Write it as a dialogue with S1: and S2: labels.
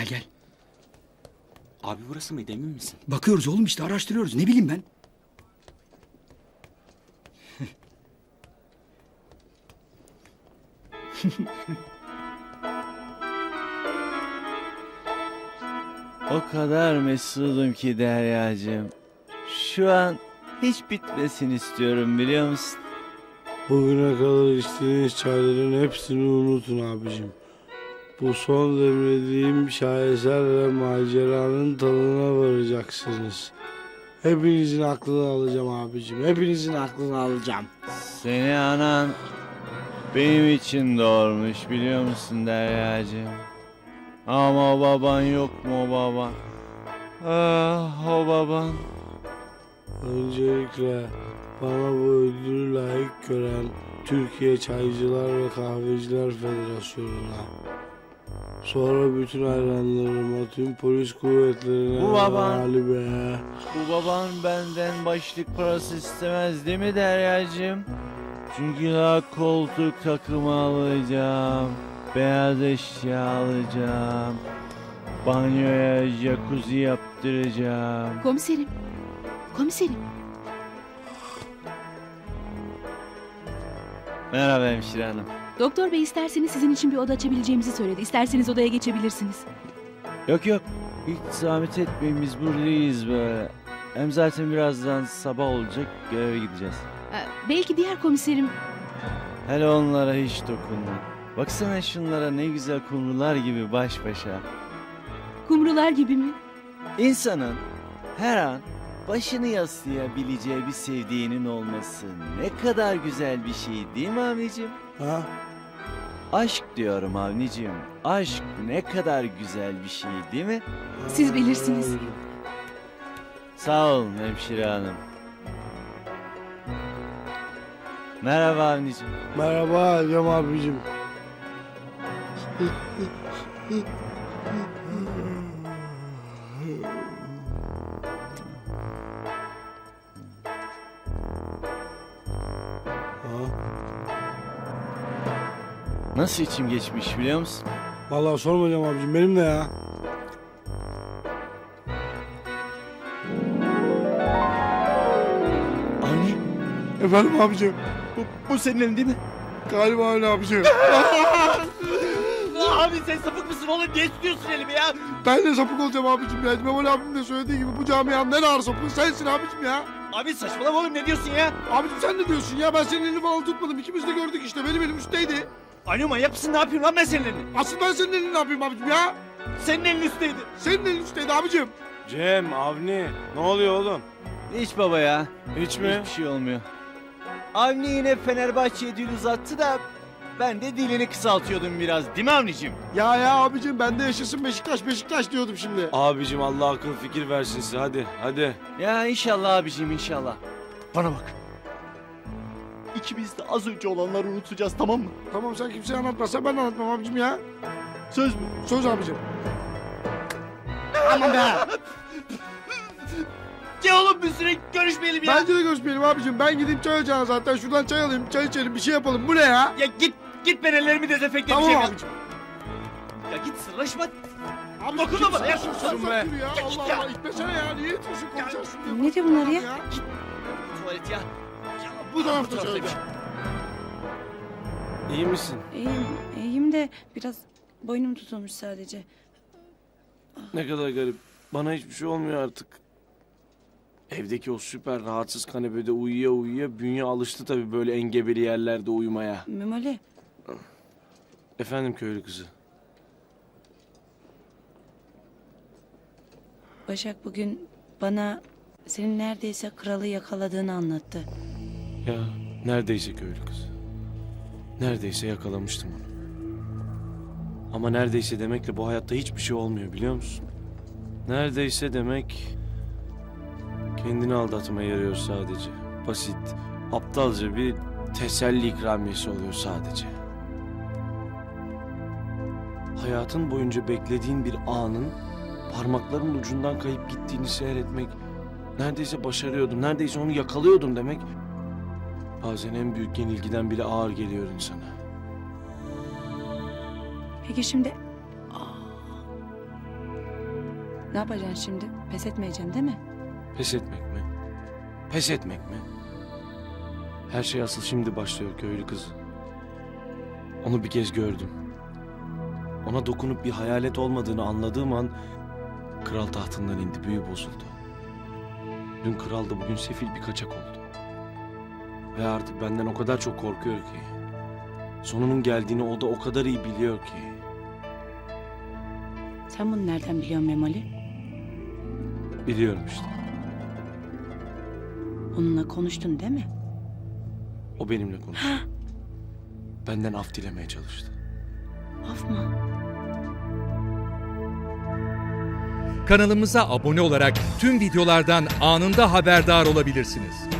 S1: Gel gel.
S2: Abi burası mıydı, emin misin?
S1: Bakıyoruz oğlum işte, araştırıyoruz. Ne bileyim ben.
S3: O kadar mesudum ki Deryacığım. Şu an hiç bitmesin istiyorum, biliyor musun?
S4: Bugüne kadar içtiğiniz çayların hepsini unutun abicim. Bu son demlediğim şaheser ve maceranın tadına varacaksınız. Hepinizin aklını alacağım abicim. Hepinizin aklını alacağım.
S3: Seni anan benim için doğurmuş, biliyor musun Deryacığım? Ama o baban yok mu, o baban? Ah, o baban.
S4: Öncelikle bana bu ödülü layık gören Türkiye Çaycılar ve Kahveciler Federasyonu'na, sonra bütün hayranlarıma, tüm polis kuvvetlerine,
S3: Bu baban.
S4: Galibe.
S3: Bu baban benden başlık parası istemez değil mi Deryacığım? Çünkü daha koltuk takımı alacağım, beyaz eşya alacağım, banyoya jacuzzi yaptıracağım.
S5: Komiserim. Komiserim.
S3: Merhaba hemşire hanım.
S5: Doktor bey isterseniz sizin için bir oda açabileceğimizi söyledi. İsterseniz odaya geçebilirsiniz.
S3: Yok yok, hiç zahmet etmeyin, biz buradayız böyle. Hem zaten birazdan sabah olacak, göreve gideceğiz.
S5: Belki diğer komiserim...
S3: Hele onlara hiç dokunma. Baksana şunlara, ne güzel kumrular gibi baş başa.
S5: Kumrular gibi mi?
S3: İnsanın her an başını yaslayabileceği bir sevdiğinin olması ne kadar güzel bir şey değil mi Avnicim?
S4: Ha?
S3: Aşk diyorum Avnicim. Aşk ne kadar güzel bir şey değil mi?
S5: Siz bilirsiniz.
S3: Sağ olun hemşire hanım. Merhaba Avnicim.
S4: Merhaba Cem abicim.
S3: Nasıl içim geçmiş biliyor musun?
S4: Vallahi sorma Cem abicim, benim de ya.
S3: Avni,
S4: Efendim abicim.
S3: bu senin elin değil mi?
S4: Galiba öyle abicim.
S3: Abi sen sapık mısın oğlum? Niye tutuyorsun elimi ya?
S4: Ben de sapık olacağım abicim ya. Memoli abim de söylediği gibi bu camianın en ağır sapığı sensin abicim ya.
S3: Abi saçmalama oğlum, ne diyorsun ya?
S4: Abicim sen ne diyorsun ya? Ben senin elini falan tutmadım. İkimiz de gördük işte. Benim elim üstteydi.
S3: Avni manyak mısın? Ne yapayım lan ben senin elini?
S4: Asıl ben senin elini ne yapayım abicim ya?
S3: Senin elin üstteydi.
S4: Senin elin üstteydi abicim.
S6: Cem, Avni, ne oluyor oğlum?
S3: Hiç baba ya.
S6: Hiç mi?
S3: Hiçbir şey olmuyor. Avni yine Fenerbahçe'ye dil uzattı da ben de dilini kısaltıyordum biraz, değil mi Avni'cim?
S4: Ya abicim ben de yaşasın Beşiktaş Beşiktaş diyordum şimdi.
S6: Abicim Allah akıl fikir versin size, hadi.
S3: Ya inşallah abicim, inşallah. Bana bak. İkimiz de az önce olanları unutacağız, tamam mı?
S4: Tamam sen kimseye anlatmazsan ben de anlatmam abicim ya.
S3: Söz mü?
S4: Söz abicim.
S3: Aman be! Ya oğlum bir süre görüşmeyelim ya.
S4: Bence de görüşmeyelim abicim. Ben gideyim çay ocağına zaten. Şuradan çay alayım, çay içelim, bir şey yapalım. Bu ne ya?
S3: Ya git ben ellerimi dezenfekte
S4: Tamam
S3: edeceğim.
S4: abicim.
S3: Ya git sırlaşma.
S4: Abi
S3: Dokunma bana ya.
S4: Sus
S6: be.
S4: ya.
S3: Git
S4: Allah
S3: ya.
S4: Allah itmesene ya. Niye itiyorsun? Konuşacağız şunu.
S5: Ne diyor bunlar ya?
S3: Tuvalet ya.
S4: Bu tarafta söyle.
S6: İyi misin?
S7: İyiyim de biraz boynum tutulmuş sadece.
S6: Ne kadar garip. Bana hiçbir şey olmuyor artık. Evdeki o süper rahatsız kanepede uyuya uyuya bünye alıştı tabii böyle engebeli yerlerde uyumaya.
S7: Memoli,
S6: Efendim köylü kızı.
S7: Başak bugün bana senin neredeyse kralı yakaladığını anlattı.
S6: Ya neredeyse köylü kızı. Neredeyse yakalamıştım onu. Ama neredeyse demekle bu hayatta hiçbir şey olmuyor biliyor musun? Neredeyse demek kendini aldatmaya yarıyor sadece. Basit, aptalca bir teselli ikramiyesi oluyor sadece. Hayatın boyunca beklediğin bir anın parmakların ucundan kayıp gittiğini seyretmek, neredeyse başarıyordum, neredeyse onu yakalıyordum demek bazen en büyük yenilgiden bile ağır geliyor insana.
S7: Peki şimdi Ne yapacaksın şimdi? Pes etmeyeceksin değil mi?
S6: Pes etmek mi? Pes etmek mi? Her şey asıl şimdi başlıyor köylü kızı. Onu bir kez gördüm. Ona dokunup bir hayalet olmadığını anladığım an kral tahtından indi, büyü bozuldu. Dün kraldı, bugün sefil bir kaçak oldu. Ve artık benden o kadar çok korkuyor ki. Sonunun geldiğini o da o kadar iyi biliyor ki.
S7: Sen bunu nereden biliyorsun Memoli?
S6: Biliyorum işte.
S7: Onunla konuştun değil mi?
S6: O benimle konuştu. Benden af dilemeye çalıştı.
S7: Af mı?
S8: Kanalımıza abone olarak tüm videolardan anında haberdar olabilirsiniz.